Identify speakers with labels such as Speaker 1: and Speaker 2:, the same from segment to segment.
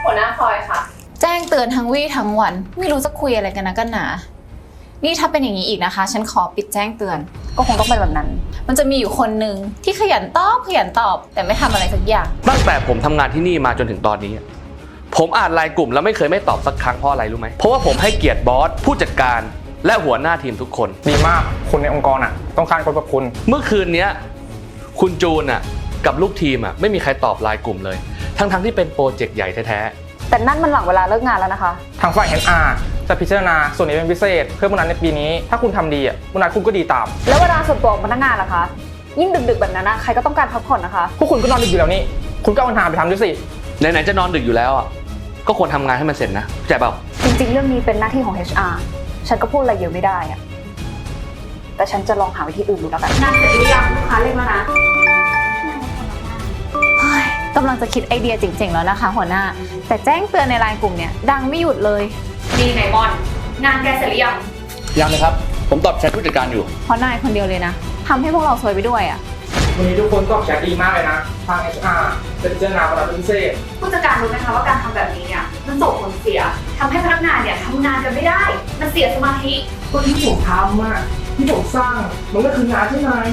Speaker 1: หัวหน้าพลอยค่ะ
Speaker 2: แจ้งเตือนทั้งวี่ทั้งวันไม่รู้จะคุยอะไรกันนะกันหนานี่ถ้าเป็นอย่างนี้อีกนะคะฉันขอปิดแจ้งเตือนก็คงต้องเป็นแบบนั้นมันจะมีอยู่คนหนึ่งที่ขยันตอบแต่ไม่ทำอะไรสักอย่าง
Speaker 3: ตั้งแต่ผมทำงานที่นี่มาจนถึงตอนนี้ผมอ่านไลน์กลุ่มแล้วไม่เคยไม่ตอบสักครั้งเพราะอะไรรู้ไหมเพราะว่าผมให้เกียรติบอสผู้จัดการและหัวหน้าทีมทุกคน
Speaker 4: ดีมากคนในองค์กรต้องการคนแบบคุณ
Speaker 3: เมื่อคืนนี้คุณจูนกับลูกทีมไม่มีใครตอบไลน์กลุ่มเลยทั้งที่เป็นโปรเจกต์ใหญ่แท้
Speaker 2: ๆแต่นั่นมันหลังเวลาเลิกงานแล้วนะคะ
Speaker 4: ทางฝ่าย HR จะพิจารณาส่วนนี้เป็นพิเศษเพื่อโบนัสในปีนี้ถ้าคุณทำดีโบนัสคุณก็ดีตาม
Speaker 2: แล้วเวลาส่วนตัวของพนักงานล่ะคะยิ่งดึกๆแบบนั้นใครก็ต้องการพักผ่อนนะคะ
Speaker 4: พวกคุณก็นอนดึกอยู่แล้วนี่คุณก็เอาปัญหาไปทำด้วยสิ
Speaker 3: ไหนๆจะนอนดึกอยู่แล้วก็ควรทำงานให้มันเสร็จนะเข้าใจเปล่า
Speaker 2: จริงๆเรื่องนี้เป็นหน้าที่ของ HR ฉันก็พูดอะไรเยอะไม่ได้แต่ฉันจะลองหาวิธีอื่นดูแล้วกัน
Speaker 1: งานเสร็จหรือยังลูกค้าเรียกแล้วนะ
Speaker 2: กำลังจะคิดไอเดียเจ๋งๆแล้วนะคะหัวหน้าแต่แจ้งเตือนในไลน์กลุ่มเนี่ยดังไม่หยุดเลย
Speaker 1: ดีไหนมอนงานแกเสร็จหรือยัง
Speaker 3: ยังเลยครับผมตอบแชทผู้จัดการอยู่
Speaker 2: เพราะนายคนเดียวเลยนะทำให้พวกเราซวยไปด้วย
Speaker 4: วันนี้ทุกคนตอบแชทดีมากเลยนะทาง HR จะพิจารณาโบนัสพิเศษ
Speaker 1: ผู้จัดการรู้ไหมคะว่าการทำแบบนี้เนี่ยมันส่งผลเสียทำให้พนักงานเนี่ยทำงานกันไม่ได้มันเสียสมาธิ
Speaker 4: ก็ที่ผมทำที่ผมสร้างมันก็คืองานใช่ไหม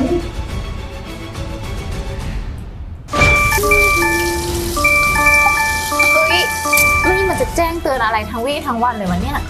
Speaker 2: นี่มันจะแจ้งเตือนอะไรทั้งวี่ทั้งวันเลยวะเนี่ย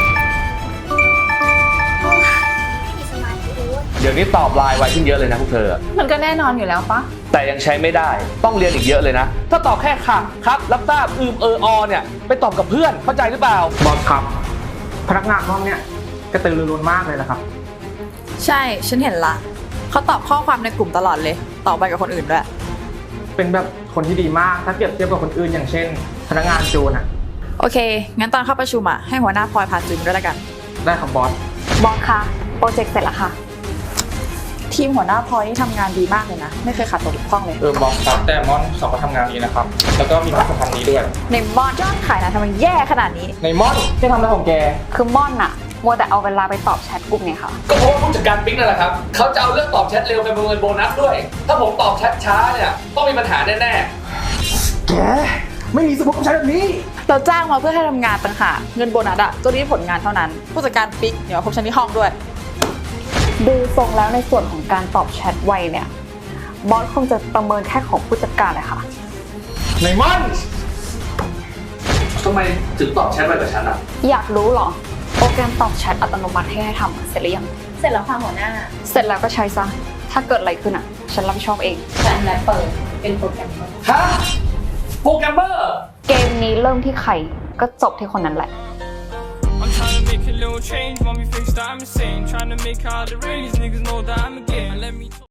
Speaker 3: เดี๋ยวนี้ตอบไลน์ไวขึ้นเยอะเลยนะพวกเธอ
Speaker 2: มันก็แน่นอนอยู่แล้วปะ
Speaker 3: แต่ยังใช้ไม่ได้ต้องเรียนอีกเยอะเลยนะถ้าตอบแค่ค่ะครับรับทราบเนี่ยไปตอบกับเพื่อนเข้าใจหรือเปล่า
Speaker 4: บอสครับพนักงานห้องเนี่ยกระตือรือร้นมากเลยนะครับ
Speaker 5: ใช่ฉันเห็นละเขาตอบข้อความในกลุ่มตลอดเลยตอบไปกับคนอื่นด้วย
Speaker 4: เป็นแบบคนที่ดีมากถ้าเปรียบเทียบกับคนอื่นอย่างเช่นพนักงานจูน
Speaker 5: โอเคงั้นตอนเข้าประชุมให้หัวหน้าพลอยพาจูนด้วยละกัน
Speaker 4: ได้ครับบอส
Speaker 2: คะโปรเจกต์เสร็จแล้วค่ะ
Speaker 5: ทีมหัวหน้าพลอยนี่ทำงานดีมากเลยนะไม่เคยขาดตกบกพร่องเลย
Speaker 4: บอสครับแต่มอนสองก็ทำงานดีนะครับแล้วก็มีความสัมพันธ์นี้ด้วย
Speaker 5: ในมอนยอดขายนะทำไมแย่ขนาดนี้
Speaker 4: ในมอนที่ทำอะไรของแก
Speaker 2: คือม่อนมัวแต่เอาเวลาไปตอบแชทกลุ่มเนี่ยค่ะ
Speaker 3: ก็เพราะผู้จัดการปิ๊งนั่นแหละครับเขาจะเอาเรื่องตอบแชทเร็วไปประเมินโบนัสด้วยถ้าผมตอบแชทช้าเนี่ยต้องมีปัญหาแน่
Speaker 4: แกไม่มีสมองใช้แบบนี้
Speaker 5: เราจ้างมาเพื่อให้ทำงานต่างหากเงินโบนัสก็รีบผลงานเท่านั้นผู้จัดการปิ๊กเดี๋ยวพบฉันที่ห้องด้วย
Speaker 2: ดูทรงแล้วในส่วนของการตอบแชทไวเนี่ยบอสคงจะประเมินแค่ของผู้จัดการเลยค่ะ
Speaker 4: ในมอน
Speaker 3: ทำไมถึงตอบแชทไวกว่าฉัน
Speaker 2: อยากรู้เหรอโปรแกรมตอบแชทอัตโนมัติให้ทำเสร็จหรือยัง
Speaker 1: เสร็จแล้วค่ะหัวหน้า
Speaker 2: เสร็จแล้วก็ใช้ซะถ้าเกิดอะไรขึ้นฉันรับผิดชอบเอง
Speaker 1: ฉันและเปิดเป็นโปรแกรมเมอร์
Speaker 3: ฮะโปรแกรมเมอร์
Speaker 2: เกมนี้เริ่มที่ใครก็จบที่คนนั้นแหละ
Speaker 6: I'm trying to make a little change, want me fixed, I'm insane. Trying to make all the rain, these niggas know that I'm a game. Let me